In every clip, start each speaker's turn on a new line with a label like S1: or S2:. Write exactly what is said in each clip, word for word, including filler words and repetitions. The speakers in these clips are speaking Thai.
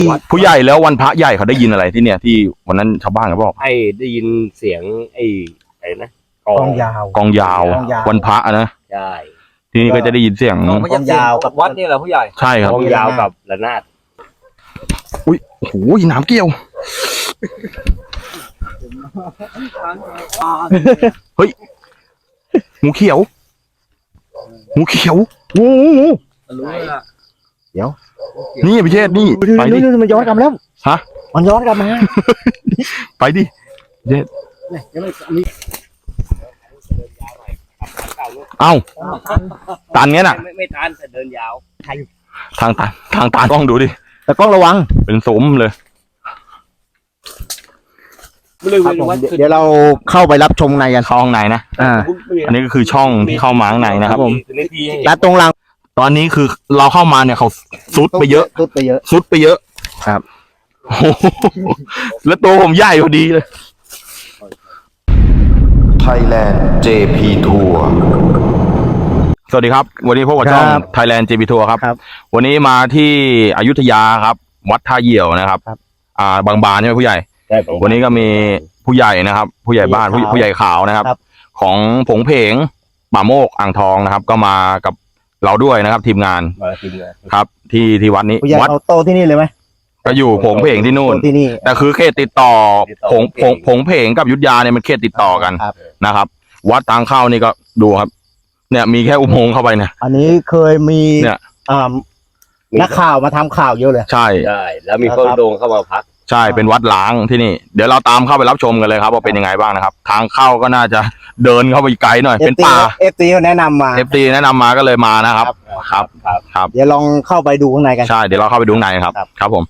S1: ผู้ใหญ่แล้ววันพระใหญ่เขาได้ยินอะไรที่เนี่ยที่วันนั้นชาวบ้านเขาบอก
S2: ให้ได้ยินเสียงไอ้ไอ้นะ
S3: กองยาว
S1: กองยาววันพระนะ
S2: ใช่
S1: ทีนี้ก็จะได้ยินเสียง
S3: กองยาวกับวัดนี่แหละผู้ใหญ่
S1: ใช่ครับ
S2: กองยาวกับระนาด
S1: อุ้ยโอ้โหน้ำเกี่ยวเฮ้ยงูเขียวงูเขียวงูงูเดี๋ยวนี่พี่เชษนี่ไปดิ
S3: มันย้อนกลับแล้ว
S1: ฮะ
S3: มันย้อนกลับมา
S1: ไปดิเชษเอ้าตันเงี้ยน่ะ
S2: ไม่ไม่ตันแต่เดินยาว
S1: ทางตันทางตันต้องดูดิ
S3: แต่กล้องระวัง
S1: เป็นสมเลย
S3: เดี๋ยวเราเข้าไปรับชมในกัน
S1: เข้าห้องในนะอ่าอันนี้ก็คือช่องที่เข้ามาข้างในนะครับผม
S3: และตรงหลัง
S1: ตอนนี้คือเราเข้ามาเนี่ยเขาซุดไปเยอะ
S3: ซุดไปเยอะ
S1: ซุดไปเยอะ
S3: ครับ
S1: แล้วตัวผมใหญ่พอดีเลย
S4: Thailand เจ พี Tour
S1: สวัสดีครับวันนี้พบกับช่อง Thailand เจ พี Tour ครับวันนี้มาที่อยุธยาครับวัดท่าเหี่ยวนะครับอ่าบางบานใช่ไหมผู้ใหญ่วันนี้ก็มีผู้ใหญ่นะครับผู้ใหญ่บ้านผู้ใหญ่ขาวนะครับของผงเพงป่าโมกอ่างทองนะครับก็มากับเราด้วยนะครับทีมงานครับที่ที่วัดนี้
S3: วัดโตที่นี่เลยไหม
S1: ก็อยู่ผงเพงที่นู่นแต่คือเขตติดต่อผงผงผงเพงกับยุทธยาเนี่ยมันเขตติดต่อกันนะครับวัดทางเข้านี่ก็ดูครับเนี่ยมีแค่อุโมงค์เข้าไปเนี่ย
S3: อันนี้เคยมีเนี่ยนักข่าวมาทำข่าวเยอะเลย
S1: ใช่
S2: ใช่แล้วมีคนโดงเข้ามาพัก
S1: ใช่เป็นวัดล้างที่นี่เดี๋ยวเราตามเข้าไปรับชมกันเลยครับว่าเป็นยังไงบ้างนะครับทางเข้าก็น่าจะเดินเข้าไปไกลหน่อยเป็นป่า
S3: เอฟซีเขาแนะนำมา
S1: เอฟซีแนะนำมาก็เลยมานะครับครับครับ
S3: เดี๋ยวลองเข้าไปดูข้างในกัน
S1: ใช่เดี๋ยวเราเข้าไปดูข้างในครับครับผม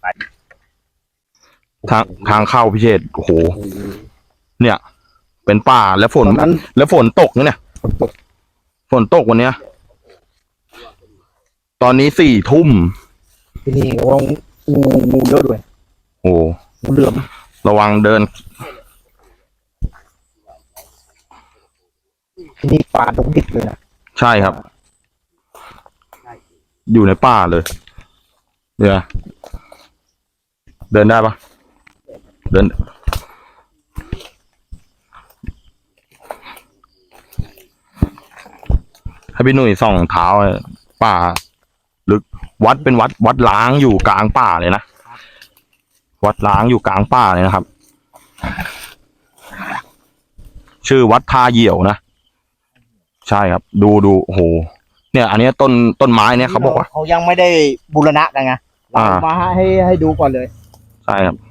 S1: ทางทางเข้าพิเชษโอ้โหเนี่ยเป็นป่าแล้วฝนแล้วฝนตกเนี่ยฝนตกวันเนี้ยตอนนี้สี่ทุ่ม
S3: ที่นี่ระวังงูงูเยอะด้วย
S1: โอ้
S3: งูเหลือม
S1: ระวังเดิน
S3: ที่นี่ป่าตรงดิบเลยนะ
S1: ใช่ครับอยู่ในป่าเลยเดี๋ยวเดินได้ปะเดินให้พี่หนุ่ยส่องเท้าป่าลึกวัดเป็นวัดวัดล้างอยู่กลางป่าเลยนะวัดล้างอยู่กลางป่าเลยนะครับชื่อวัดท่าเหี่ยวนะใช่ครับดูดูโอ้โหเนี่ยอันนี้ต้นต้นไม้เนี่ยเขาบอกว่า
S3: เขายังไม่ได้บูรณะกันไงเรามาให้ให้ดูก่อนเลย
S1: ใช่ครับ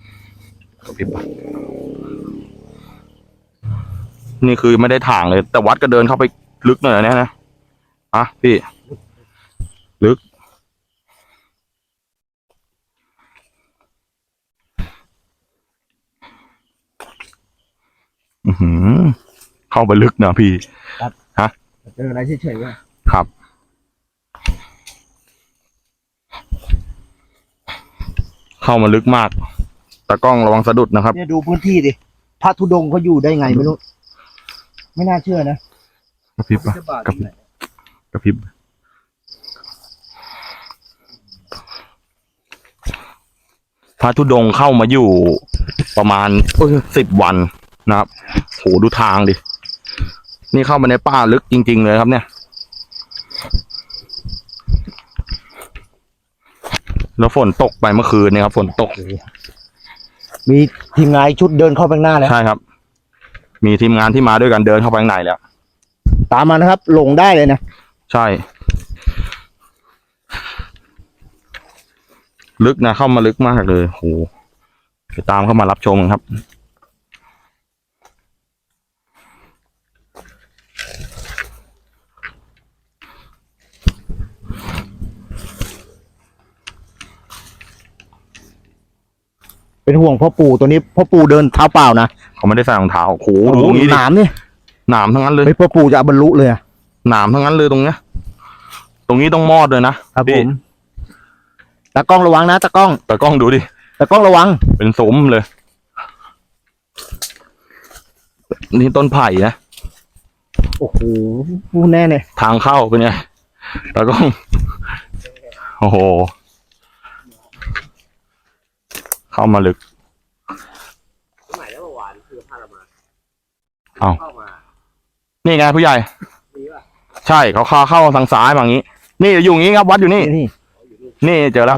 S1: นี่คือไม่ได้ถ่างเลยแต่วัดก็เดินเข้าไปลึกหน่อยนะนะอ่ะพี่ลึกอือหือเข้าไปลึกนะพี่ฮะ
S3: เจออะไรเฉยๆว่ะ
S1: ครับเข้ามาลึกมากตากล้องระวังสะดุดนะครับ
S3: เนี่ยดูพื้นที่ดิพระธุดงค์เขาอยู่ได้ไงไม่รู้ไม่น่าเชื่อนะ
S1: กระพริบปะกระพริบกระพริบพระธุดงค์เข้ามาอยู่ประมาณสิบวันนะครับโหดูทางดินี่เข้ามาในป่าลึกจริงๆเลยครับเนี่ยแล้วฝนตกไปเมื่อคืนเนี่ยครับฝนตก
S3: มีทีมงานชุดเดินเข้าไปข้างหน้าแล้ว
S1: ใช่ครับมีทีมงานที่มาด้วยกันเดินเข้าไปข้างในแล้ว
S3: ตามมานะครับหลงได้เลยนะ
S1: ใช่ลึกนะเข้ามาลึกมากเลยโหไปตามเข้ามารับชมครับ
S3: เป็นห่วงพ่อปู่ตัวนี้พ่อปู่เดินเท้าเปล่านะ
S1: เขาไม่ได้ใส่รองเท้าโอ้โหดูตรงนี้
S3: หนามนี่
S1: หนามทั้งนั้นเลย
S3: พ่อปู่จะบรรลุเลย
S1: หนามทั้งนั้นเลยตรงเนี้ยตรงนี้ต้องมอดเลยนะครับผม
S3: ตากล้องระวังนะตากล้อง
S1: ตากล้องดูดิ
S3: ตากล้องระวัง
S1: เป็นสมเลยนี่ต้นไผ่นะ
S3: โอ้โหพูดแน่เลย
S1: ทางเข้าเป็นไงตากล้องโอ้โหเข้ามาลึก
S2: สมัยแล้วเมื่อวานคือพาเรามา
S1: เอ้า
S2: เข้ามา
S1: นี่ไงผู้ใหญ่
S2: ดีป่ะ
S1: ใช่เขาเข้าเข้าทางซ้ายมาอย่างนี้ นี่อยู่อย่างนี้ครับวัดอยู่นี่
S3: นี่
S1: นี่เจอแล้ว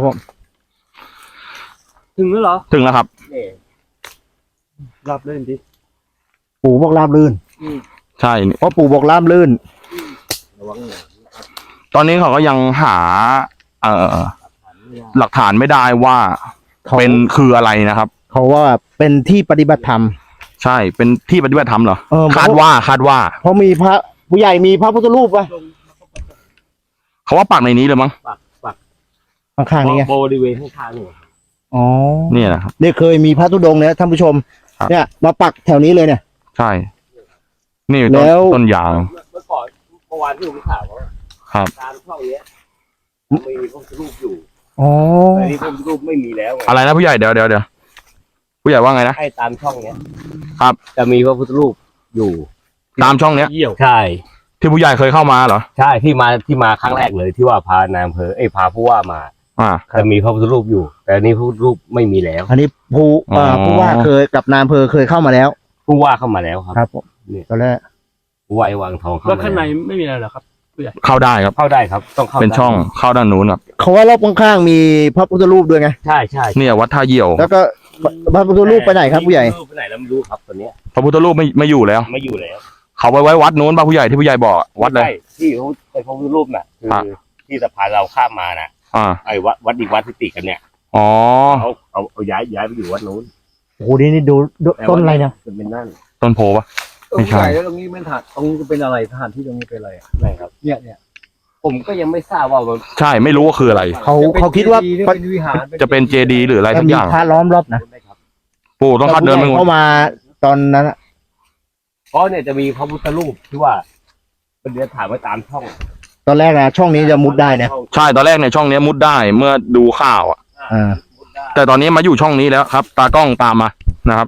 S2: ถึงแล้วเหรอ
S1: ถึงแล้วครับ
S2: นี่
S3: ราบลื่นดิปู่บอกราบลื่น
S1: ใช่นี่
S3: เพราะปู่บอกราบลื่น
S2: ระวังหน่อย
S1: ตอนนี้เขาก็ยังหา เอ่อ หลักฐานไม่ได้ว่า
S3: เขา
S1: เป็นคืออะไรนะครับ
S3: เขาว่าเป็นที่ปฏิบัติธรรม
S1: ใช่เป็นที่ปฏิบัติธรรมเหรอ
S3: เออ
S1: คาดว่าคาดว่า
S3: เพราะมีพระผู้ใหญ่มีพระพุทธรูปป่ะ
S1: เขาว่าปักในนี้เลยมั้ง
S2: ปักปัก
S3: ข้างๆนี้ไง
S2: บริเวณข้างๆนี่
S3: อ๋อ
S1: เนี่ยนะครับ
S3: เนี่ยเคยมีพระธุดงค์เนี่ยท่านผู้ชม
S1: ครับ
S3: เนี่ย มาปักแถวนี้เลยเนี่ย
S1: ใช่ นี่ต้น
S3: แล้ว
S1: ต้นยาง
S2: เมื่อก่อนเมื่อวานที่ผมถามว่า
S1: ครับ
S2: ตามช่องเนี้ยมีพระพุทธรูปอยู่
S3: อ๋อ
S2: แต่นี่พระพุทธรูปไม่มีแล้วไง
S1: อะไรนะผู้ใหญ่เดี๋ยวเดี๋ยวเดี๋ยวผู้ใหญ่ว่าไงนะ
S2: ให้ตามช่องเนี้ย
S1: ครับ
S2: จะมีพระพุทธรูปอยู่
S1: ตามช่องเนี้ย
S2: เยี่ยวใช่
S1: ที่ผู้ใหญ่เคยเข้ามาเหรอ
S2: ใช่ที่มาที่มาครั้งแรกเลยที่ว่าพานายอำเภอเอ้ยพาผู้ว่ามา
S1: อ่า
S2: จะมีพระพุทธรูปอยู่ แต่อันนี้พระพุทธรูปไม่มีแล้ว
S3: อันนี้ผู้เอ่ออ
S1: อ
S3: ผู้ว่าเคยกับนายอำเภอเคยเข้ามาแล้ว
S2: ผู้ว่าเข้ามาแล้วครับ
S3: ครับผม
S2: เนี่ย
S3: ตอนแรก
S2: ผู้ว่าไอ้วังทองเข้า
S5: แล้ว
S2: มา
S5: ข้างใน
S2: แล้ว
S5: ไม่มีอะไรเหรอครับ
S1: เข้าได้ครับ
S2: เข้าได้ครับ ต้องเข้า
S1: เป็นช่อง
S2: ได้
S1: เข้าด้านนู้นครับ
S3: เขาว่ารอบข้างๆมีพระพุทธรูปด้วยไง
S2: ใช่ใช่
S1: เนี่ยวัดท่าเยี่ยว
S3: แล้วก็พระพุทธรูปไปไหนครับผู้ใหญ่
S2: รูปไปไหนแล้วไม่รู้ครับตัวเนี้ย
S1: พระพุทธรูปไม่ไม่อยู่แล้ว
S2: ไม่อยู่แล้ว
S1: เขาไปไว้วัดนู้นป่ะผู้ใหญ่ที่ผู้ใหญ่บอกวัดเลย
S2: ใช่ที่เขาไปพระพุทธรูปน่ะคือ
S1: อ่ะ
S2: ที่สะพานเราข้ามมาน่ะ
S1: อ่า
S2: ไอ้วัดวัดอีกวัดที่ติดกันเนี่ย
S1: อ๋อ
S2: เขาเอาเอาย้ายย้ายไปอยู่วัดนู้น
S3: โอ้โหนี่นี่ดูดู
S2: แต่
S3: ต้นอะไรเนี่ย
S2: จะเป็นนั่น
S1: ต้นโพปะ ไม่ใช่
S5: แล้วตรงนี้เป็นฐานตรงนี้เป็นอะไรสถานที่ตรงนี้เป็นอะไรอะ
S2: ไม่ครับ
S5: เนี่ยเนี่ย
S2: ผมก็ยังไม่ทราบว่ามัน
S1: ใช่ไม่รู้ว่าคืออะไร
S3: เขาเขาคิดว่า
S5: จะเป็นวิหาร
S1: จะเป็นเจดีย์หรืออะไร
S3: จะ
S1: สัก
S3: มี
S1: อย่าง
S3: พระล้อมรอบนะ
S2: ไม่ครับ
S1: ปู่ต้องคัดเดินไป
S3: ผู้
S1: หม
S3: ใหญ่
S1: ด
S3: เข้ามาตอนนั้นอะ
S2: เพราะเนี่ยจะมีพระพุทธรูปที่ว่าเป็นเดือนถามไว้ตามช่อง
S3: ตอนแรกนะช่องนี้จะมุดได้นะ
S1: ใช่ตอนแรกในยช่องเนี้ยมุดได้เมื่อดูข่าวอ่ะ
S3: อ่า
S2: มุดได้
S1: แต่ตอนนี้มาอยู่ช่องนี้แล้วครับ ตากล้องตามมานะครับ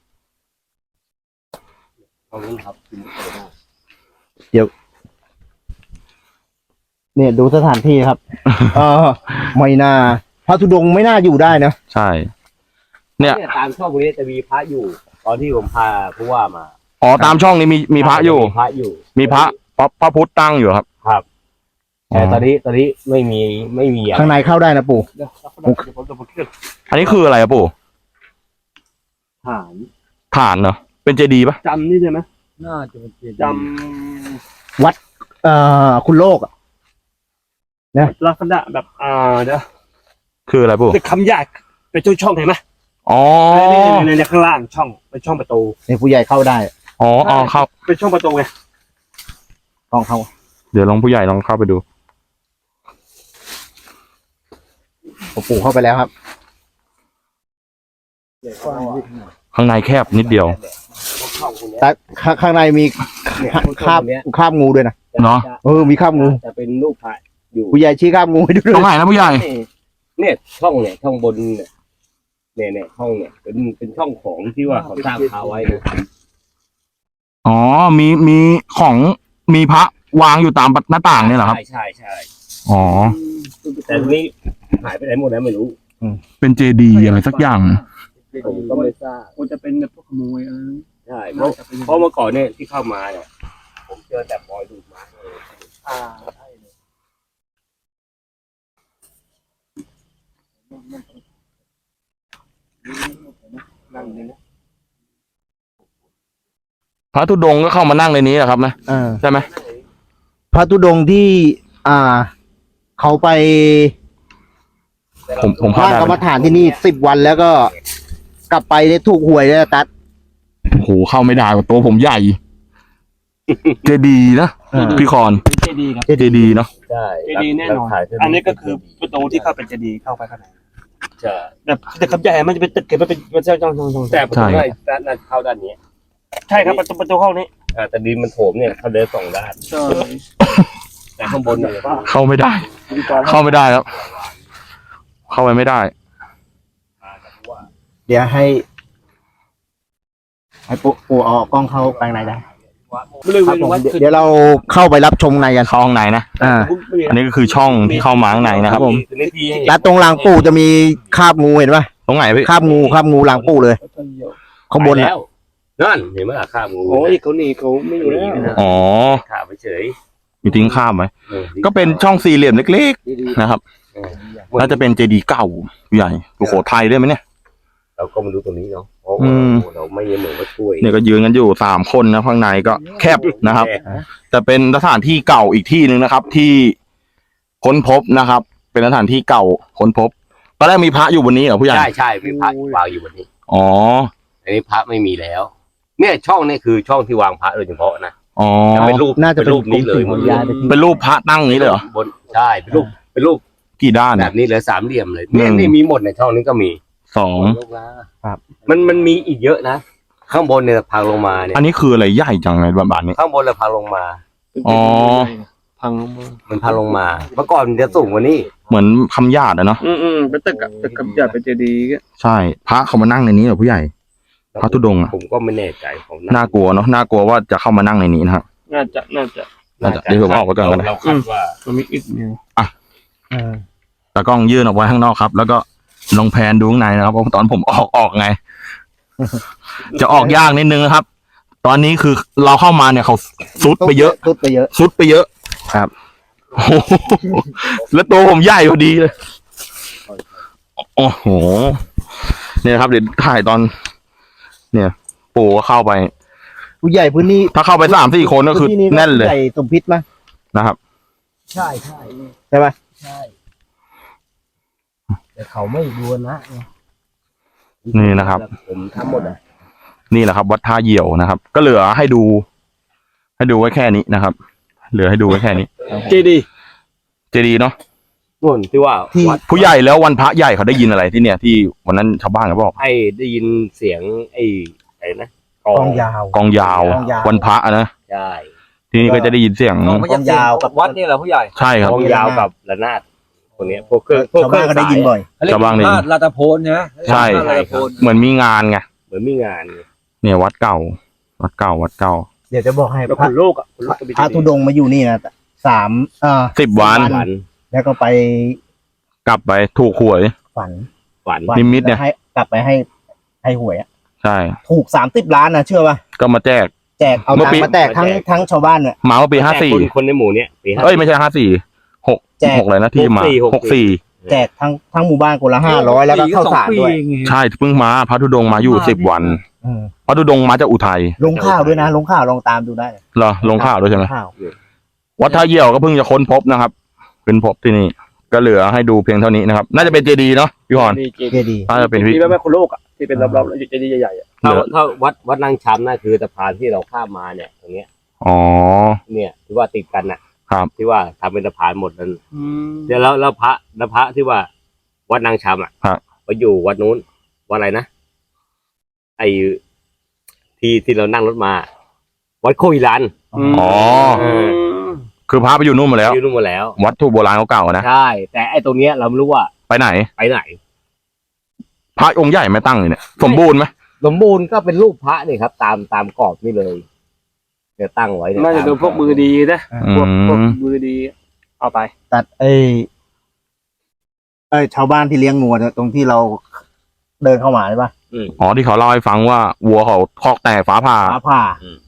S2: ตรงนี้ครับคือมุดไปได้
S3: เนี่ยดูสถานที่ครับ เออไม่น่าพระธุดงค์ไม่น่าอยู่ได้นะ
S1: ใช่ เนี่ย
S2: เนี่ยตามช่องนี้จะมีพระอยู่ ตอนที่ผมพาผู้ว่ามา
S1: อ๋อตามช่องนี้มีมีพระอยู่
S2: มีพระอยู่
S1: มีพระพระพระพุทธตั้งอยู่ครับ
S2: ครับ แต่ตอนนี้ตอนนี้ไม่มีไม่มีอะไร
S3: ข้างในเข้าได้นะปู่
S2: เดี๋ยวผมจะมาเคลื่อน
S1: อันนี้คืออะไรอะปู่
S2: ฐาน
S1: ฐานเหรอเป็นเจดีย์ปะ
S5: จำนี่ใช่ไหมน่าจะเป็นเจดีย์
S2: จ
S3: เอ่อคุณโลกอะ
S5: ลักษณะแบบอ่าเดี๋ยว
S1: คืออะไรปู่
S5: เป็นคำยากเป็นช่องช่องๆเห็นไหม
S1: อ๋อ
S5: นี่ในในข้างล่างช่องเป็นช่องประตู
S3: เนี่ยผู้ใหญ่เข้าได้
S1: อ๋ออ๋อเข้า
S5: เป็นช่องประตูไง
S3: กล้องเข้า
S1: เดี๋ยวลองผู้ใหญ่ลองเข้าไปดู
S3: ผมปู่เข้าไปแล้วครับ
S1: ข้างในแคบนิดเดียว
S2: ำช่องคนเนี้ย
S3: แต่ข้างข้างในมี
S2: เนี่ย
S3: คาบ
S2: ช่องคนเนี้ย
S3: คาบงูด้วยนะ
S2: จะ
S1: เนอะ
S2: จะ
S3: เออมีคาบงู
S2: จะเป็นรูปพระอยู่
S3: ผู้ใหญ่ชี้คาบงูให้ดูด้
S1: ตร
S3: วย
S1: งไหนนะผู้ใหญ่
S2: เนี่ยช่องเนี่ยช่องบนเนี่ยเนี่ยเนี่ยช่องเนี่ยเป็นเป็นช่องของที่ว่าเขาสร้างพาไว้นะ
S1: อ๋อมีมีของมีพระวางอยู่ตามหน้าต่างเนี่ยเหรอครับ
S2: ใช่ใช่ใช่
S1: อ๋อ
S2: แต่ทีนี้หายไปไหนหมดแล้วไม่รู้
S1: เป็นเจดีย์อะไรสักอย่าง
S2: ผมก็ไม่ทราบ
S5: ควรจะเป็นแบบพวกขโมยอะไรนั้น
S2: ใช่เพราะ
S5: น่าจะเป็น
S2: เพราะเมื่อก่อนเนี่ยที่เข้ามาเนี่ยผมเจอแต่บอยดูดมาเลย
S5: อ่าใช่เลย
S2: นั่งเลยนะ
S1: พระธุดงค์ก็เข้ามานั่งในนี้แหละครับนะ
S3: เออ
S1: ใช่ไหม
S3: พระธุดงค์ที่ อ่า เขาไป
S1: ผมผม
S3: ส
S1: เข้า
S3: ร้าง
S1: ได้
S3: กรร
S1: ไห
S3: ม
S1: ม
S3: ฐานที่นี่สิบวันแล้วก็ กลับไปเนี่ยถูกหวยเลยนะตัด
S1: โอ้โหเข้าไม่ได้ว่ะตัวผมใหญ่ เจดีย์นะ
S3: เออ
S1: พี่คอน
S5: เป็นเจดีย์ครับ
S1: เจดีย์เนาะ
S2: ใช่
S5: เจดีย์แน่นอน
S2: ถ่ายเสร็จ
S5: อันนี้ก็คือประตูที่เข้าเป็นเจดีย์เข้าไปข้างใน
S2: ใช่
S5: แต่แต่คำใหญ่มันจะเป็นตึกเก็บมันเป็นมันจะช่องช่องช่อง
S2: แต่ประตูด้านด้านเข้าด้านนี้
S5: ใช่ครับประตูประตูห้องนี้
S2: อ่าแต่ดินมันโถมเนี่ยเขาเดินสองด้าน
S5: ใช่
S2: แต่ข้างบนเนี่ย
S1: เข้าไม่ได้ เข้าไม่ได้ครับ เข้าไปไม่ได้
S3: เดี๋ยวให้ ให้ปู่ปู่เอากล้องเข้าไปข้างในได้
S5: บริเว
S3: ครับ
S5: ณ
S3: ผม
S5: วัดคือ
S3: เดี๋ยวเราเข้าไปรับชมในกัน
S1: เข้าห้องในนะ
S3: อ่า
S1: อันนี้ก็คือช่องที่เข้ามาข้างในนะครับผม
S2: ทีนี้ที่
S3: และตรงรางปู่จะมีคาบงูเห็นปะ
S1: ตรงไหนพี่
S3: คาบงูคาบงูหลังปู่เลยข้างบน
S2: ไป
S3: น่ะ
S2: แล้วนั่นเห็นไหมล่ะข้ามงู
S5: โอ้ยเขาหนีเขาไม่อยู่แล้ว
S1: อ๋อ
S2: ข้ามไปเฉย
S1: มีทิ้งข้ามไหม
S2: ออ
S1: ก็เป็นช่องสี่เหลี่ยมเล็กๆนะครับ
S2: เออ
S1: น่าจะเป็นเจดีย์เก่าใหญ่สุโขทัยด้วยไหมเนี่ย
S2: เราก็มาดูตรงนี้เนาะเพราะ
S1: อื
S2: ว่าม เราไม่เหมือนว่าช่วย
S1: เนี่ยก็ยืนกันอยู่สามคนนะข้างในก็แคบนะครับ แต่เป็นสถานที่เก่าอีกที่หนึ่งนะครับ ที่ค้นพบนะครับ เป็นสถานที่เก่าค้นพบตอนแรกมีพระอยู่บนนี้เหรอผู้ใหญ่
S2: ใช่ใช่มีพระวางอยู่บนนี้
S1: อ๋อ
S2: อันนี้พระไม่มีแล้ว เนี่ยช่องนี่คือช่องที่วางพระโดยเฉพาะนะ
S1: อ๋อ
S2: จะเป็นรูป
S3: น่าจะเป็น
S2: รูปนี้เลยหมดเลย
S1: เป็นรูปพระตั้งนี้เลยเหรอบ
S2: นใช่เป็นรูปเป็นรูป
S1: กี่ด้าน
S2: แบ
S1: เนี่ย
S2: บนี้เลยสามเหลี่ยมเลยเนี่ย
S1: หนึ่ง
S2: นี่มีหมดในช่องนี้ก็มี
S1: สอง
S3: ครับ
S2: มันมันมีอีกเยอะนะข้างบนเนี่ยพังลงมาเนี่ย
S1: อันนี้คืออะไรใหญ่จังเลยแบบนี้
S2: ข้างบนเราพังลงมา
S1: อ๋อ
S5: พังลงมา
S2: มันพังลงมาเมื่อก่อนมันจะสูงกว่านี้
S1: เหมือนคำญาติอะเนาะ
S5: อืมอืมเป็นตึกอะตึกกับหยาดเป็นเจดีย์ก็
S1: ใช่ พระเขามานั่งในนี้เหรอผู้ใหญ่ พระธุดงค์อะ
S2: ผมก็ไม่แน่ใจผม
S1: น่ากลัวเนาะน่ากลัวว่าจะเข้ามานั่งในนี้นะครับ
S5: น่าจะน่าจะ
S1: น่าจะเดี๋ยวผมออกไปก่อนก็ได้
S2: เราคาดว่า
S5: มันมีอีกเนี่ย
S3: เออ
S1: ตากล้องยื่นออกไว้ข้างนอกครับ แล้วก็ลองแพนดูข้างในนะครับเพราะตอนผมออกออกไง จะออกยากนิดนึงนะครับ ตอนนี้คือเราเข้ามาเนี่ยเขาซุดไปเยอะ
S3: ซุดไปเยอะ
S1: ซุดไปเยอะ
S3: ครับ
S1: โอ้โหแล้วตัวผมใหญ่พอดีเลย โอ้โห เนี่ยครับเดี๋ยวถ่ายตอน เนี่ย ปู่ก็เข้าไป
S3: ผู้ใหญ่พื้นที่
S1: ถ้าเข้าไปสามสี่คนก็คือ
S3: พื้ที่
S1: แน่นเลย
S3: ผู้ใหญ่สมพิษมั้ย
S1: นะครับ
S2: ใช่ใช่
S3: ใช่ปะ
S2: ใช่แต่เขาไม่บูรณะไง
S1: นี่นะครับ
S2: ผมทำหมดอ่ะ
S1: นี่แหละครับวัดท่าเหี่ยวนะครับ ก็เหลือให้ดู ให้ดูไว้แค่นี้นะครับ เหลือให้ดูไว้แค่นี้
S5: เจดีย์
S1: เจดีย์เนาะ
S2: ส่วนที่ว่าวัด
S1: ผู้ใหญ่แล้ววันพระใหญ่เขาได้ยินอะไรที่เนี่ยที่วันนั้นชาวบ้านเขาบอก
S2: ไอ้ได้ยินเสียงไอ้ไอ้นะ
S3: กองยาว
S1: กองยาว
S3: กองยาว
S1: วันพระอะนะ
S2: ใช่
S1: ที่นี่ก็จะได้ยินเสียง
S3: กองยาวกับ
S6: วัดนี่แหละผู้ใหญ่
S1: ใช่ครับ
S2: กองยาวกับระนาดคนเนี้ยพวกเครื่องพวก
S3: ชาว
S2: เครื่
S3: บ้า
S2: อน ง
S3: ก็ได้ยินบ่อย
S6: เขาเรียก
S1: ชาวบ้านนี่
S6: พาดลาตะโพนใช่ไหม
S1: ใช่
S6: พาดลาตะโพน
S1: เหมือนมีงานไง
S2: เหมือนมีงานไง
S1: เนี่ยวัดเก่า วัดเก่าวัดเก่า
S3: เดี๋ยวจะบอกให้
S5: แล้ว
S3: พ
S5: ค
S3: ระ
S5: นโลกอ่ะคนโลกก็มี
S3: พระธุดงค์มาอยู่นี่นะสามเอ่อ
S1: สิบวัน
S2: ฝัน
S3: แล้วก็ไป
S1: กลับไปถูกหวย
S3: ฝัน
S2: ฝัน
S3: ฝั
S1: นิมิตเนี่ย
S3: แล้วให้กลับไปให้ให้หวยอะ
S1: ใช่
S3: ถูกสามสิบล้านนะเชื่อป่ะ
S1: ก็มาแจก
S3: แจกเอา
S1: เมื่อ
S3: ตัง
S1: ปี
S3: ค์มาแจกทั้งทั้งชาวบ้านเนี่ย
S1: หมาว่าปีห้าสี่
S2: คนคนในหมู่เนี้ยปีห้า
S1: เอ้ยไม่ใช่ห้าสี่หก
S3: แจก
S1: หกอะไรนะที่มา
S2: ห
S1: ห
S2: ก
S1: ก
S2: สี่
S1: สี่
S3: แจกทั้งทั้งหมู่บ้านคนละห้าร้อยแล้วก็ข้าวสารด้วย
S1: ใช่เพิ่งมาพระธุดงค์มาอยู่สิบวัน
S3: อืม
S1: พระธุดงค์มาจากอุทัย
S3: ลงข้าวด้วยนะ ลงข้าวลองตามดูได้
S1: เหรอลงข่าวด้วยใช่ไหม
S3: ข้าว
S1: วัดท่าเยี่ยวก็เพิ่งจะค้นพบนะครับเป็นพบที่นี่ก็เหลือให้ดูเพียงเท่านี้นะครับ น่าจะเป็นเจดีย์เนาะพี่พร
S5: มีเจ
S3: เจ
S5: ดีย์
S3: ดีย์
S1: น่าจะเป็นพี่
S5: ที่แม่คนโลกอ่ะที่เป็นรอบๆเจดีย์ใหญ่ๆอ่ะ
S2: ถ้าถ้าวัดวัดนางช้ำน่ะคือสะพานที่เราข้ามมาเนี่ยตรงเนี้ย
S1: อ๋อ
S2: เนี่ยที่ว่าติดกันน่ะ
S1: ครับ
S2: ที่ว่าทำเป็นสะพานหมดนั้นเดี๋ยวแล้วแล้วพระแล้วพระที่ว่า วัดนางช้ำอ่ะ
S1: ครับ
S2: ไปอยู่วัดนู้นวัดอะไรนะไอ้ที่ที่เรานั่งรถมา วัดโคอิรัน
S1: อ๋อ
S2: เออ
S1: คือพระไปอยู่นู่นหมาแล้ว
S2: อยู่นู่นหมดแล้ว
S1: วัตถุโบราณเก่าๆนะ
S2: ใช่ แต่ไอ้ตรงเนี้ยเราไม่รู้ว่า
S1: ไปไหน
S2: ไปไหน
S1: พระองค์ใหญ่ไม่ตั้งเลยเนี่ยสมบูรณ์ไหม
S2: สมบูรณ์ก็เป็นรูปพระนี่ครับ ตามตามกรอบนี่เลยเดี๋ยวตั้งไว้เย
S5: น่าจะโดนพวกมือดีนะ
S1: อื
S5: พวกพวก
S1: ม
S5: มือดี เอาไป
S3: ตัดไอ้ไอ้ชาวบ้านที่เลี้ยงงูเนี่ยตรงที่เราเดินเข้ามาใช่ปะ
S1: อ๋อที่เขาเล่าให้ฟังว่าวัวเขาคอกแตกฟ้าผ่า
S3: ฟ้าผ่าม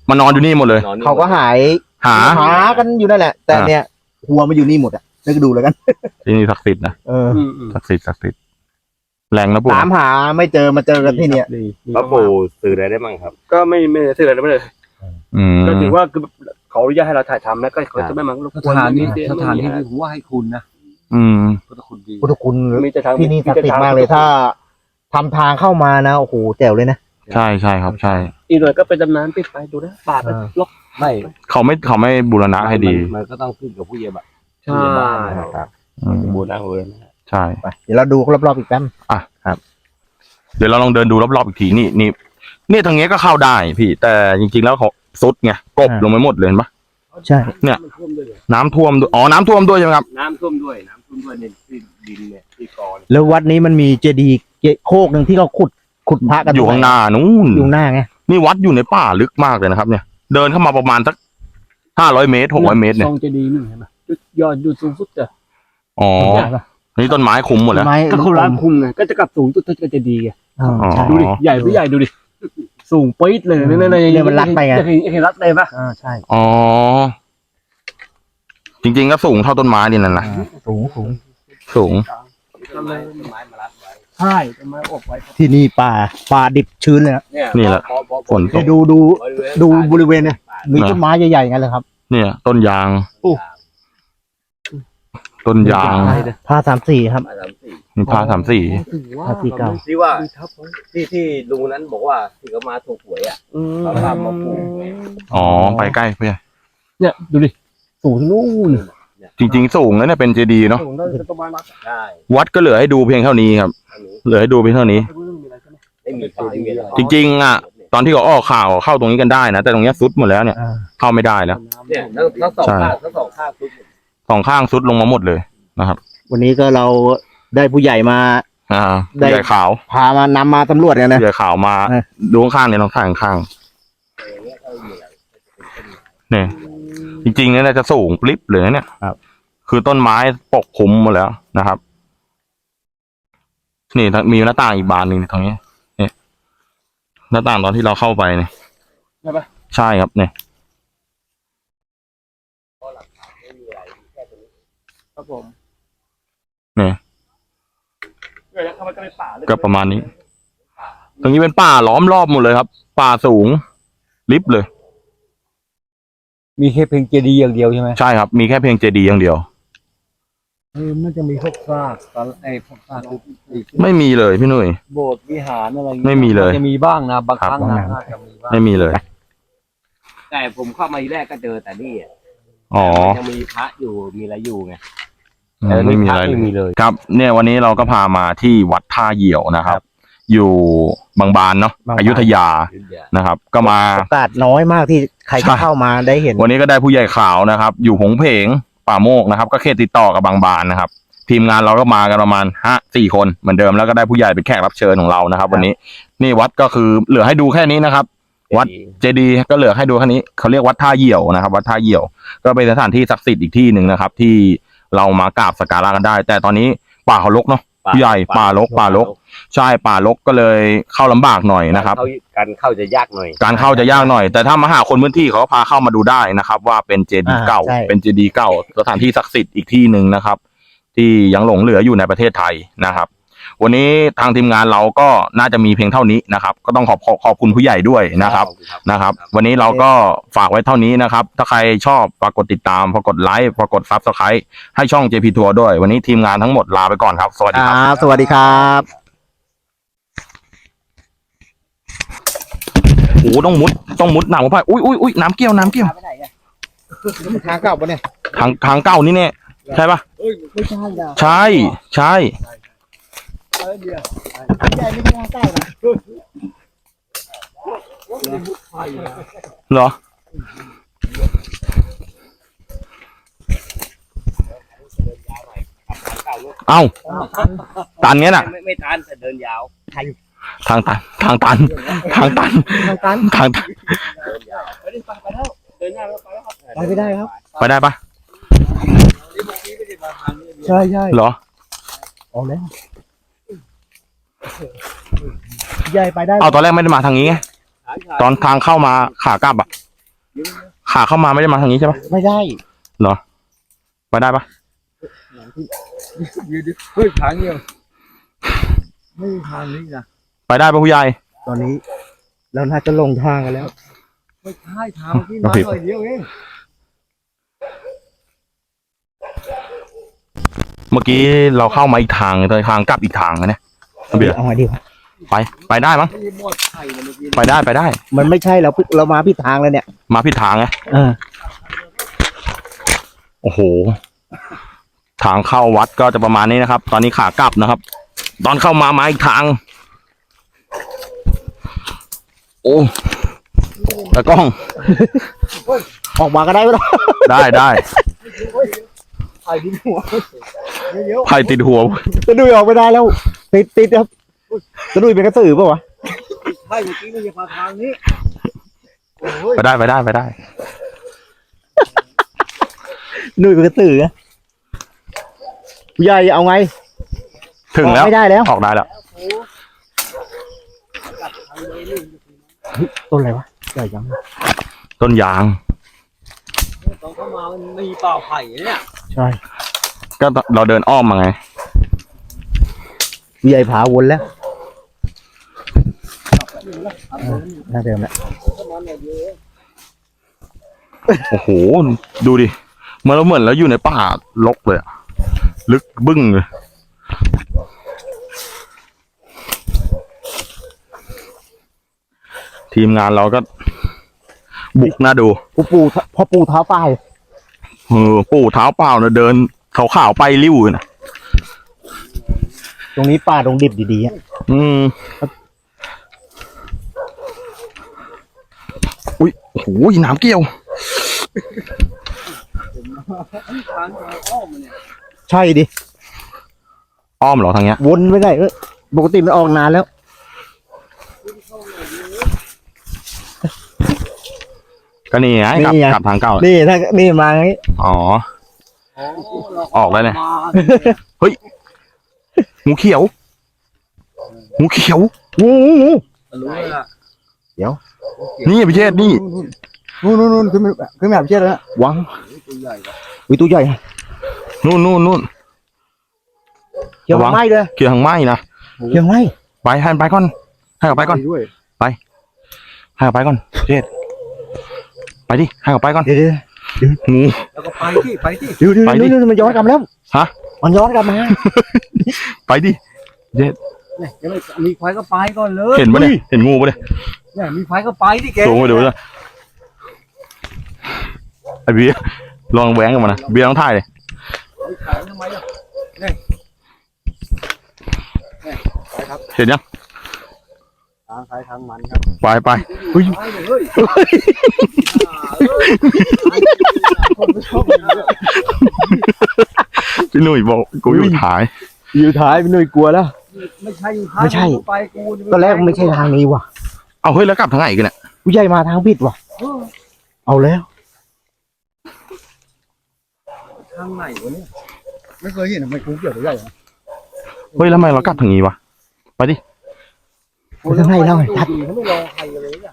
S1: านอนอยู่นี่หมดเลย
S2: นอนนี่
S3: เขาก็หาย
S1: หา
S3: หากันอยู่นั่นแหละ แต่เนี่ยหัวมาอยู่นี่หมดอ่ะนึกดูแล้วกัน
S1: ที่นี่ศักดิ์สิทธิ์นะ
S3: เออ
S5: อืมอืม
S1: ศักดิ์สิทธิ์ศักดิ์สิทธิ์แรงนะปู่
S3: ตามหาไม่เจอมาเจอกันที่เนี่ย
S5: ดี
S2: พระปู่สื่ออะไรได้บ้างครับ
S5: ก็ไม่ไม่ได้เสื่ออะไรไม่เลย
S1: อืม
S5: ก็ถือว่าคือเขาอนุญาตให้เราถ่ายทำแล้วก็เขาจะไม่มารบ
S6: ส
S5: กวน
S6: ถานที่
S5: ไม่
S6: สถานที่
S5: ไม่
S6: ที่ผมว่าให้คุณนะ
S1: อืม
S6: พุทธคุณดี
S3: พุทธคุณ
S5: มีจะทาง
S3: ที่นี่ศักดิ์สิทธิ์มากเลยถ้าทำทางเข้ามานะโอ้โหแจ๋วเลยนะ
S1: ใช่ใช่ครับ ใช่
S5: อีกหน่อยก็เป็นตำนานปิดไปดูนะป่าไปล็อก
S2: ไม่
S1: เขาไม่เขาไม่บูรณะให้ดี
S2: มันก็ต้องขึ้นกับผู้ใหญ่บ้าน
S5: ใช่
S1: อืม
S2: บูรณะเลยนะ
S1: ใช่
S3: ไปเดี๋ยวเราดูรอบๆอีกแป๊บ
S1: เดี๋ยวเราลองเดินดูรอบๆอีกทีนี่นี่นี่ทางเนี้ยก็เข้าได้พี่ แต่จริงๆแล้วเขาซุดไงกบลงไปหมดเลยเห็นปะ
S3: ใช่
S5: น้ำท่วมด้วย
S1: น้ำท่วมด้วยอ๋อน้ำท่วมด้วยใช่ไหมครับ
S5: น้ำท่วมด้วยน้ำท่วมด้วยในที่ดินเนี่ยที่กร
S3: แล้ววัดนี้มันมีเจดีย์เจโคกหนึ่งที่เขาขุดขุดพระกัน
S1: อยู่ข้างหน้านู้น
S3: อยู่หน้าไง
S1: นี่วัดอยู่ในป่าลึกมากเลยนะครับ เนี่ย เดินเข้ามาประมาณสักห้าร้อยเมตรหกร้อยเมตรเนี่ย
S5: ทรงเจดีย์นึงเห็นไหมยอดอยู่สูงสุดจ้ะ
S1: อ๋อนี่ต้นไม้คุมหมดแล้ว
S3: ไม้
S5: ถ้าเขาร้านคุมไงก็จะกลับสูงตัวก็จะดีไง
S3: อ่าใช่
S5: ดูดิใหญ่ไม่ใหญ่ดูดิสูงปี๊ดเลยนี่นี่
S3: เนี่ยมันรัดไปไง
S5: เห็นเห็นรัดเลยปะ
S3: อ่าใช่
S1: อ๋อจริงๆก็สูงเท่าต้นไม้นี่นั่นนะ
S3: สูงสูง
S1: สูง
S5: ใช่ต้นไม้อบไว้
S3: ที่นี่ป่าป่าดิบชื้นเลยนะ
S1: นี่แหละฝนต
S3: เนี่ย
S1: ก
S3: ดูดูดูบริเวณเนี่ยมีต้นไม้ใหญ่ๆงั้นเลยครับ
S1: เนี่ย ต้นยาง
S3: โอ้
S1: ต้นยาง
S3: ผ้าสามสี่ครับ
S1: มีผ้าสามสี่
S3: ผ้าสีเก่า
S2: ที่ว่าที่ที่ลุงนั้นบอกว่าที่เขามาถูกหวยอ่ะเขาทำมาปลูก
S1: อ๋อไปใกล้เพื่อน
S5: เนี่ยดูดิสูงนู่น
S1: จริงๆสูงแล้วเนี่ยเป็นเจดีย์เนาะ
S5: สูงน่าจะประมาณนั้น
S2: ใช่
S1: วัดก็เหลือให้ดูเพียงเท่านี้ครับ
S2: อันนี้
S1: เหลือให้ดูเพียงเท่านี้
S2: ไม่มีใครไม่มีอะไร
S1: จริงๆอ่ะ ตอนที่เขาออกข่าวเข้าตรงนี้กันได้นะแต่ตรงเนี้ยซุดหมดแล้วเนี่ย
S3: อ่า
S1: เข้าไม่ได้แล้ว
S2: เนี่ยทั้งทั้งสองข้างทั้งสองข้างทุก
S1: สองข้างซุดลงมาหมดเลยนะครับ
S3: วันนี้ก็เราได้ผู้ใหญ่มา
S1: อ่า
S3: ได้
S1: ใหญ่ขาว
S3: พามานำมาตำรวจกันนะ
S1: ใหญ่ขาวมา
S3: เออ
S1: ดูข้างๆเนี่ยน้องข้างข้างๆเนี่ยจริงๆเนี่ยน่าจะสูงปลิบเลยนะเนี่ย
S3: ครับ
S1: คือต้นไม้ปกคลุมหมดแล้วนะครับ นี่มีหน้าต่างอีกบานหนึ่งตรงนี้เนี่ยหน้าต่างตอนที่เราเข้าไปเนี่ย
S5: ใช่ปะ
S1: ใช่ครับเนี่ย
S5: ครับผม
S1: เนี่ย
S5: เดี๋ยวเข้าไปก็เป็นป่าเลย
S1: ก็ประมาณนี้ ตรงนี้เป็นป่าล้อมรอบหมดเลยครับ ป่าสูงลิบเลย
S6: มีแค่เพียงเจดีย์อย่างเดียวใช่ไหม
S1: ใช่ครับ มีแค่เพียงเจดีย์อย่างเดียว
S6: เออมันจะมีพวกซากตอนไอ้พวกซากอีก
S1: ไม่มีเลยพี่หนุ่ย
S6: โบสถ์วิหารอะไรอย่างงี้
S1: ไม่มีเลย
S6: นจะมีบ้างนะบางครั้ง
S1: ครับ
S6: นะน่าจะมีบ้าง
S1: ไม่มีเลย
S2: แต่ผมเข้ามาทีแรกก็เจอแต่นี่อ่ะ
S1: อ๋อ
S2: ยังมีพระอยู่มีอะไรอยู่ไง
S1: อืมไม่มีอะไร
S2: ไม่มีเลย
S1: ครับ เนี่ยวันนี้เราก็พามาที่วัดท่าเหี่ยวนะครับ อยู่บางบานเนาะ
S3: บางบาน
S1: อยุธยานะครับ ก็มา
S3: โอกาสน้อยมากที่ใคร
S1: ใช่
S3: จะเข้ามาได้เห็น
S1: วันนี้ก็ได้ผู้ใหญ่ขาวนะครับ อยู่หงเพงป่าโมกนะครับ ก็เขตติดต่อกับบางบานนะครับ ทีมงานเราก็มากันประมาณห้าสี่คนเหมือนเดิมแล้วก็ได้ผู้ใหญ่เป็นแขกรับเชิญของเรานะครับ วันนี้นี่วัดก็คือเหลือให้ดูแค่นี้นะครับ วัด เจดีย์ก็เหลือให้ดูแค่นี้เขาเรียกวัดท่าเหี่ยวนะครับ วัดท่าเหี่ยวก็เป็นสถานที่ศักดิ์สิทธิ์อีกที่หนึ่งนะครับ ที่เรามากราบสักการะกันได้ แต่ตอนนี้ป่าเขารกเนาะผู้ใหญ่ป่ารกป่ารก ใช่ป่ารกก็เลยเข้าลำบากหน่อยนะครับ
S2: เข้าการเข้าจะยากหน่อย
S1: การเข้าจะยากหน่อย แต่ถ้ามาหาคนพื้นที่เขาก็พาเข้ามาดูได้นะครับ ว่าเป็นเจดีย์เก่า
S3: อ่าใช่
S1: เป็นเจดีย์เก่าสถานที่ศักดิ์สิทธิ์อีกที่หนึ่งนะครับ ที่ยังหลงเหลืออยู่ในประเทศไทยนะครับ วันนี้ทางทีมงานเราก็น่าจะมีเพียงเท่านี้นะครับ ก็ต้องขอบขอบขอบคุณผู้ใหญ่ด้วยนะครับนะครับ วันนี้เราก็ฝากไว้เท่านี้นะครับ ถ้าใครชอบฝากกดติดตามฝากกดไลค์ฝากกดซับสไครต์ให้ช่อง เจ พี ทัวร์ ด้วย วันนี้ทีมงานทั้งหมดลาไปก่อนครับ สวัสดี
S3: ค
S1: ครับ
S3: รับสวัสดีครับ
S1: โอ้โหต้องมุดต้องมุดหนามไปอุ้ยอุ้ยอุ้ยน้ำเกี้ยวน้ำเกี้ยว
S3: ทางเก่าปะเนี่ย
S1: ทางทางเก้านี่เนี่ยใช่ปะ
S3: ไม่ใช่นะ
S1: ใช่ใช่
S3: ใหญ่ไม่ใช่ทางเก่านะ
S1: เหรอเอ้าตันเงี้ยน่ะ
S2: ไม่ไม่ทันแต่เดินยาว
S1: ทางตันทางตันทางตัน
S3: ทางตัน
S1: ทางตัน
S5: เดินหน้าแล้วไปแล้วครับ
S3: ไปไม่ได้ครับ
S1: ไปได้ปะ
S3: ใช่ใช่
S1: เหรอ
S3: เอาแล้วใหญ่ไปได้
S1: เอาตอนแรกไม่ได้มาทางนี้ไงตอนทางเข้ามาขากลับอะขาเข้ามาไม่ได้มาทางนี้ใช่ปะ
S3: ไม่ได้
S1: เหรอไปได้ปะ
S6: ยืดเฮ้ยทางเดียวไม่มีทางนี้นะ
S1: ไปได้ปะผู้ใหญ่
S3: ตอนนี้เราน่าจะลงทางกันแล้ว
S6: ไม่ใช่ทางที่มาหน่อยเดียวเอง
S1: เมื่อกี้เราเข้ามาอีกทางแต่ทางกลับอีกทางนะเนี่ยเบียร์
S3: เอาไงดีวะ
S1: ไปไปได้มั้ง
S6: ไม่หมดไข่เลยเมื่อกี้
S1: ไปได้ไปได้
S3: มันไม่ใช่เราเรามาผิดทางแล้วเนี่ย
S1: มาผิดทางไง
S3: เออ
S1: โอ้โห ทางเข้าวัดก็จะประมาณนี้นะครับ ตอนนี้ขากลับนะครับ ตอนเข้ามามาอีกทาง โอ้ตะกล้อง
S3: ออกมาก็ได้ไหมล่ะ
S1: ได้ได้
S6: ไข่ดินหัวเยอะ
S1: ไผ่ติดหัว
S3: จะดุยออกไม่ได้แล้ว ติดติดครับจะดุยเป็นกระสือเปล่าวะ
S6: ๆไข่เมื่อกี้ไม่ใช่มาทางนี้โอ้ย
S1: ไปได้ไปได้ไปได้
S3: ดุยเป็นกระสืออะผู้ใหญ่เอาไง
S1: ถึงแล้ว
S3: ไม่ได้แล้ว
S1: ออกได้แล้ว
S3: ต้นอะไรวะใหญ่จัง
S1: ต้นยาง
S6: ตอนเข้ามามันมีเปล่าไผ่เนี่ย
S3: ใช่
S1: ก็เราเดินอ้อมมาไง
S3: ใหญ่ผาวนแล้วหน้าเดิมแล้ว
S1: โอ้โห ดูดิเหมื่อนเราเหมือนเราอยู่ในป่าลกเลยอะลึกบึ้งเลย ทีมงานเราก็ บุกน่าดู
S3: พ่อปู่พ่อปู่เท้าป้าย
S1: เออปู่เท้าเปล่านะเดินขาวๆไปริ้วนะ
S3: ตรงนี้ป่าตรงดิบดีๆอ่ะ
S1: อืมอุ้ยโอ้โหน้ำเกี่ยว
S3: ใช่ดิ
S1: อ้อมเหรอทางเนี้ย
S3: วนไปไหนเออปกติมันออกนานแล้ว
S1: ก็นี่ไงกลับกลับทางเก่า
S3: นี่ถ้านี่มาอย่างนี้
S1: อ๋อ ออกแล้วเนี่ย เฮ้ยงูเขียวงูเขียว
S3: งูงูงู
S6: รู้เลยล่ะ
S1: นี่พี่เชษนี่
S3: นู่นนู่นนู่นขึ้นมาขึ้นมาแบบเช่นแล้ววัง
S6: ตัวใหญ่กว่า
S3: อุ้ยตัวใหญ่
S1: นู่นนู่นนู่น
S3: เกี่ยว
S1: ระวัง
S3: ไม้เลย
S1: เกี่ยวทางไม้นะ
S3: เกี่ยวไม้
S1: ไปให้มันไปก่อนให้เขาไปก่อน
S6: ด้วย
S1: ให้เขาไปก่อนพี่เชษไปดิให้เขาไปก่อน
S3: เดี๋ยวเดี๋ยว
S1: งู
S6: แล้วก็ไปที่ไปที่
S3: เดี๋ยวเดี๋ยว
S1: ไปดิ
S3: เดี๋ยวมันย้อนกลับมาแล้ว
S1: ฮะ
S3: มันย้อนกลับมา
S1: ไปดิเชษ
S6: เนี่ยยังไม่มีไฟก็ไปก่อนเลย
S1: เห็นปะเนี่ยเห็นงูปะเนี่ย
S6: เนี่ยมีไฟก็ไปที่แก
S1: สูงไปดูเลยไอ้เบียร์ลองแหวงกับมันนะเบียร์ต้องถ่ายเลย
S6: ขายทำไมล่ะ
S1: เห็นยัง
S6: ทางใครทางมันครับ
S1: ไปไป
S6: เฮ้ยเฮ้ยคนไม่ชอบเลย
S1: พี่หนุ่ยบอกกูอยู่ถ่าย
S3: อยู่ท้ายเป็นหน่วยกลัวแล้ว
S6: ไม่ใช่
S3: ไม่ใช่
S6: ไปกู
S3: ตอนแรกไม่ใช่ทางนี้ว่ะ
S1: เอาเฮ้ยแล้วกลับทางไหนกันเนี่ย
S3: ผู้ใหญ่มาทางผิดว่ะ เอาแล้ว
S6: ทางไหนวะเนี่ยไม่เคยเห็นทำไมกูเกี่ยวตัวใหญ่
S1: เฮ้ยแล้วทำไมเรากลับทางนี้วะไปดิ
S3: ไปทางไหนเล่าให้ทัด
S6: เขาไม่รอใครเลยอ่ะ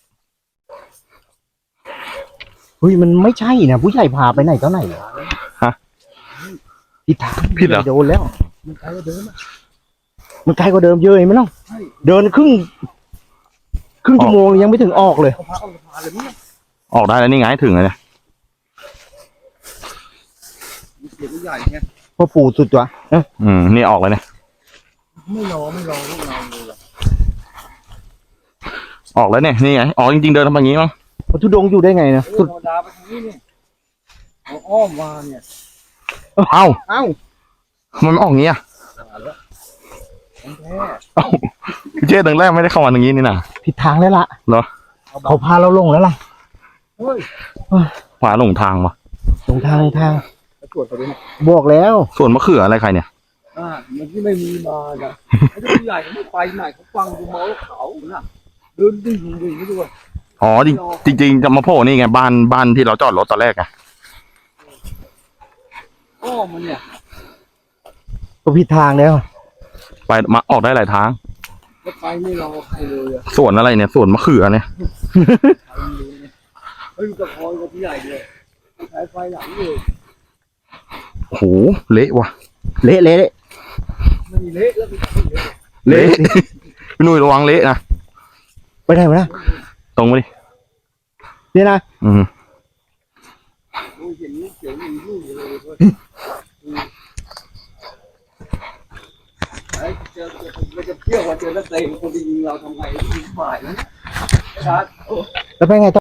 S3: เฮ้ยมันไม่ใช่นะผู้ใหญ่พาไปไหนตอนไหนฮะผิดทาง
S1: ผิดเหรอ
S3: โดนแล้ว
S6: มันใครก็เดิน
S3: มันไกลกว่าเดิมเยอะเลยไหมล่ะเดินครึ่งครึ่งชั่วโมงยังไม่ถึงออกเลย
S6: เขาพาเอาพาเลยเนี่ย
S1: ออกได้แล้วนี่ไงถึงแล้วเนี่ย
S6: เกี่ยวตัวใหญ่เนี่ย
S3: พ่อปู่สุดตัวเอ้ย
S1: อืมนี่ออกแล้วเนี่ย
S6: ไม่รอไม่รอพวกเราเลย
S1: ออกแล้วเนี่ยนี่ไงออกจริงๆเดินทางนี้มั้ง
S3: พระธุดงค์อยู่ได้ไงนะ
S6: ธ
S3: สุด
S6: รรมดาไปทางนี้เนี่ยเอาอ้อมมาเนี่ย
S1: เอ้า
S6: เอ้า
S1: มันออกงี้อ่ะ
S6: ของแท้
S1: เอ้าพี่เจ๊เดินแรกไม่ได้เข้ามาทางนี้นี่นะ
S3: ผิดทางแล้วล่ะ
S1: เหรอ
S3: เขาพาเราลงแล้วล่ะ
S6: เฮ้ย
S1: ขวาหลงทางวะ
S3: ลงทางลงทาง
S6: ไปตรวจเขาด้วยนะ
S3: บอกแล้ว
S1: ส่วนมะเขืออะไรใครเนี่ย
S6: อ่ามันที่ไม่มีมาน่ะไอ้ตัวใหญ่เขาไม่ไปไหนเขาฟังกูเมาแล้วเขาน่ะเดินดิ่งดิ่งไม่รู้ว่า
S1: อ๋อจริงจริงๆจะมาโผล่นี่ไงบ้านบ้านที่เราจอดรถตอนแรกไง
S6: อ้อมมันเนี่ย
S3: ก็ผิดทางแล้ว
S1: ไปมาออกได้หลายทาง
S6: แล้วไปไม่รอใครเลยอ่ะ
S1: สวนอะไรเนี่ยสวนมะเขือเนี่ย
S6: ใครไม่รู้เนี่ยเฮ้ยกระพอยกับพี่ใหญ่เลยใช้ไฟหลังเลย
S1: โอ้โหเละว่ะ
S3: เละเละเละ
S6: ไม่เละแล้วพี่
S1: เละพี่หนุ่ยระวังเละนะ
S3: ไปไหนวะนะ
S1: ตรงไปดิ
S3: นี่นะ
S1: อืม
S6: ดูเห็นลูกเขียวมีลูกอยู่เลยเว้ยไอ้เจอมันจะเที่ยวว่าเจอแล้วเตะคนที่ยิงเราทำไงยิงฝ่ายนะ
S3: แล้วไปไงต่อ